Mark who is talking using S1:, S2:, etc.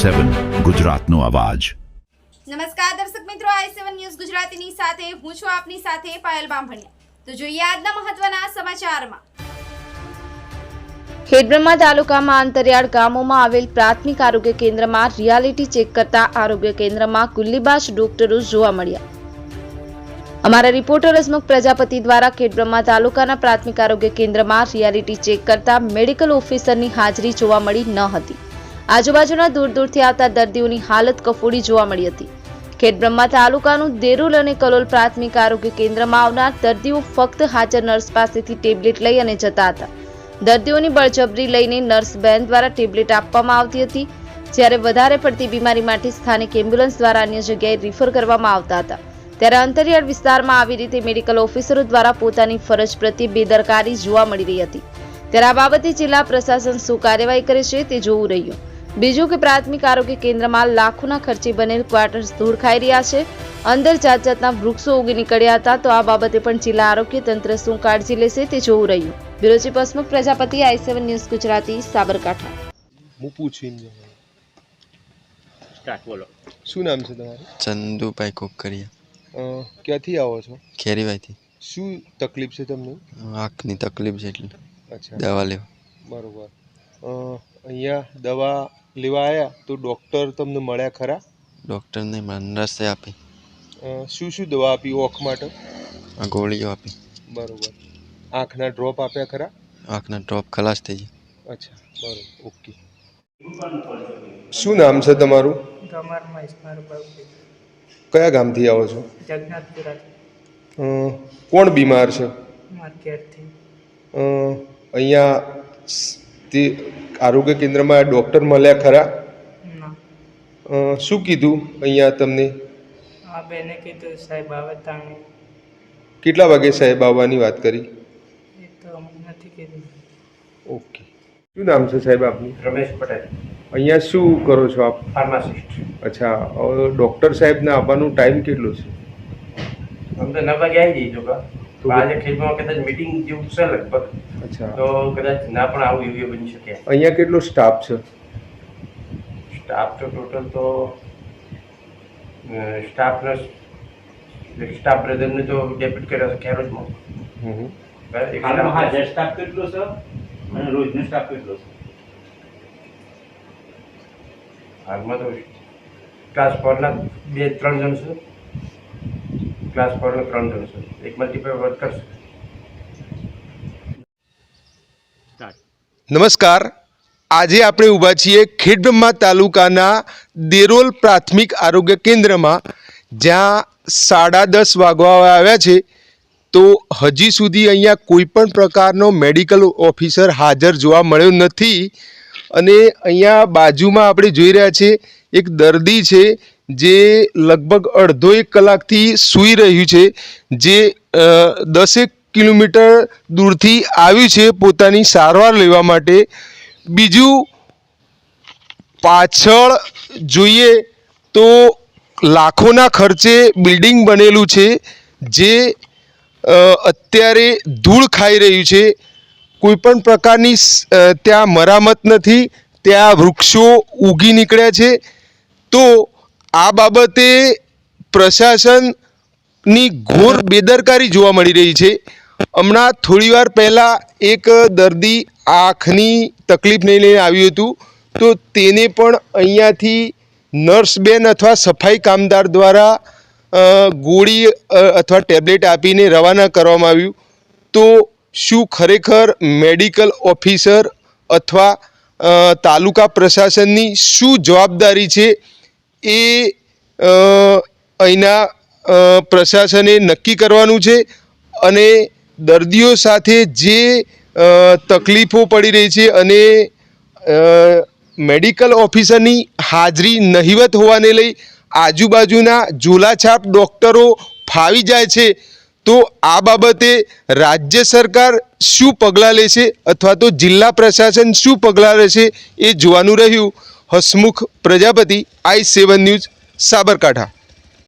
S1: i7 ગુજરાતનો અવાજ।
S2: નમસ્કાર દર્શક મિત્રો, i7 ન્યૂઝ ગુજરાતીની સાથે હું છું આપની સાથે પાયલ બામભણિયા। તો જોઈએ આજના મહત્વના સમાચારમાં।
S3: ખેડબ્રહ્મા તાલુકામાં અંતરિયાળ ગામોમાં આવેલ પ્રાથમિક આરોગ્ય કેન્દ્રમાં રિયાલિટી ચેક કરતા આરોગ્ય કેન્દ્રમાં ગુલ્લીબાજ ડોક્ટરો જોવા મળ્યા। અમારા રિપોર્ટર હસમુખ પ્રજાપતિ દ્વારા ખેડબ્રહ્મા તાલુકાના પ્રાથમિક આરોગ્ય કેન્દ્રમાં રિયાલિટી ચેક કરતા મેડિકલ ઓફિસરની હાજરી જોવા મળી ન હતી। આજુબાજુના દૂર દૂરથી આવતા દર્દીઓની હાલત કફોડી જોવા મળી હતી। ખેડબ્રહ્મા તાલુકાનું દેરોલ અને કલોલ પ્રાથમિક આરોગ્ય કેન્દ્રમાં આવનાર દર્દીઓ ફક્ત હાજર નર્સ પાસેથી ટેબ્લેટ લઈ અને જતા હતા। દર્દીઓની બળજબરી લઈને નર્સ બેન દ્વારા ટેબ્લેટ આપવામાં આવતી હતી, જ્યારે વધારે પડતી બીમારી માટે સ્થાનિક એમ્બ્યુલન્સ દ્વારા અન્ય જગ્યાએ રિફર કરવામાં આવતા હતા। ત્યારે અંતરિયાળ વિસ્તારમાં આવી રીતે મેડિકલ ઓફિસરો દ્વારા પોતાની ફરજ પ્રત્યે બેદરકારી જોવા મળી રહી હતી। ત્યારે આ બાબતે જિલ્લા પ્રશાસન શું કાર્યવાહી કરે છે તે જોવું રહ્યું। બીજું કે પ્રાથમિક આરોગ્ય કેન્દ્રમાં લાખોના ખર્ચે બનેલ ક્વાર્ટર્સ ધૂળ ખાઈ રહ્યા છે, અંદર જાત જાતના વૃક્ષો ઉગી નીકળ્યા હતા। તો આ બાબતે પણ જિલ્લા આરોગ્ય તંત્ર શું કાળજી લેશે તે જોવું રહ્યું। Bureau chief Hasmukh Prajapati, i7 news Gujarati, Sabarkantha.
S4: હું પૂછીને
S5: સ્ટાર્ટ બોલો।
S4: શું નામ છે તમારું?
S6: ચંદુભાઈ કોકરિયા।
S4: ક્યાંથી આવો છો?
S6: ખેરીભાઈથી।
S4: શું તકલીફ છે તમને?
S6: આંખની તકલીફ છે એટલે
S4: અચ્છા,
S6: દવા લેવા।
S4: બરોબર। અહીંયા દવા લેવા આવ્યા તો ડૉક્ટર તમને મળ્યા ખરા?
S6: ડૉક્ટરને નર્સે આપી।
S4: શું શું દવા આપી ઓખ માટે?
S6: ગોળીઓ આપી।
S4: બરોબર। આંખના ડ્રોપ આપ્યા ખરા?
S6: આંખના ડ્રોપ ખલાસ થઈ જાય।
S4: અચ્છા, બરોબર, ઓકે। શું નામ છે તમારું?
S7: ગમારમાં ઇસ્મારભાઈ।
S4: કયા ગામથી આવો છો?
S7: જગન્નાથપુરા।
S4: કોણ બીમાર છે?
S7: માર્કેટથી।
S4: અહીંયા તે આરોગ્ય કેન્દ્રમાં ડૉક્ટર મળ્યા ખરા?
S7: ના।
S4: શું કીધું અહીંયા તમને?
S7: આ બેને કીધું સાહેબ આવે તાણે।
S4: કેટલા વાગે સાહેબ આવવાની વાત કરી?
S7: એ તો અમને નથી કીધું।
S4: ઓકે। શું નામ છે સાહેબ આપનું?
S5: રમેશ પટેલ,
S4: અહીંયા શું કરો છો આપ?
S5: ફાર્માસિસ્ટ।
S4: અચ્છા, ડૉક્ટર સાહેબને આવવાનો ટાઈમ કેટલો છે?
S5: અમને 9 વાગે આવી જઈજો કા તો આજે ખેડમાં કદાચ મીટિંગ જેવું છે લગભગ,
S4: અચ્છા,
S5: તો કદાચ ના પણ આવું એવું બની શકે।
S4: અહીંયા કેટલો સ્ટાફ છે?
S5: સ્ટાફ તો ટોટલ તો સ્ટાફ બ્રધરને તો ડેપ્યુટ કર્યો છે ખેરોજમાં।
S4: હમ.
S5: હાલમાં હાજર
S8: સ્ટાફ કેટલો છે અને રોજનો સ્ટાફ કેટલો છે?
S5: હાલમાં તો ક્લાસ 4 ના 2-3 જણ છે, ક્લાસ 4 ના 3 જણ છે, એક મલ્ટીપલ વર્કર છે।
S4: નમસ્કાર। આજે આપણે ઊભા છીએ ખેડબ્રહ્મા તાલુકાના દેરોલ પ્રાથમિક આરોગ્ય કેન્દ્રમાં, જ્યાં 10:30 વાગવા આવ્યા છે તો હજી સુધી અહીંયા કોઈ પણ પ્રકારનો મેડિકલ ઓફિસર હાજર જોવા મળ્યો નથી। અને અહીંયા બાજુમાં આપણે જોઈ રહ્યા છીએ એક દર્દી છે જે લગભગ અડધો 1 કલાકથી સૂઈ રહ્યું છે, જે 10 કિલોમીટર દૂરથી આવ્યું છે પોતાની સારવાર લેવા માટે। બીજું પાછળ જોઈએ તો લાખોના ખર્ચે બિલ્ડિંગ બનેલું છે, જે અત્યારે ધૂળ ખાઈ રહ્યું છે। કોઈ પણ પ્રકારની ત્યાં મરામત નથી, ત્યાં વૃક્ષો ઉગી નીકળ્યા છે। તો આ બાબતે પ્રશાસનની ઘોર બેદરકારી જોવા મળી રહી છે। હમણાં થોડીવાર પહેલાં એક દર્દી આંખની તકલીફને લઈને આવ્યું હતું, તો તેને પણ અહીંયાથી નર્સ બેન અથવા સફાઈ કામદાર દ્વારા ગોળી અથવા ટેબ્લેટ આપીને રવાના કરવામાં આવ્યું। તો શું ખરેખર મેડિકલ ઓફિસર અથવા તાલુકા પ્રશાસનની શું જવાબદારી છે એ અહીંના પ્રશાસને નક્કી કરવાનું છે। અને દર્દીઓ સાથે જે તકલીફો પડી રહી છે અને મેડિકલ ઓફિસરની હાજરી નહિવત હોવાને લઈ આજુબાજુના ઝોલાછાપ ડૉક્ટરો ફાવી જાય છે। તો આ બાબતે રાજ્ય સરકાર શું પગલાં લેશે અથવા તો જિલ્લા પ્રશાસન શું પગલાં લેશે એ જોવાનું રહ્યું। Hasmukh Prajapati, i7 news, Sabarkantha.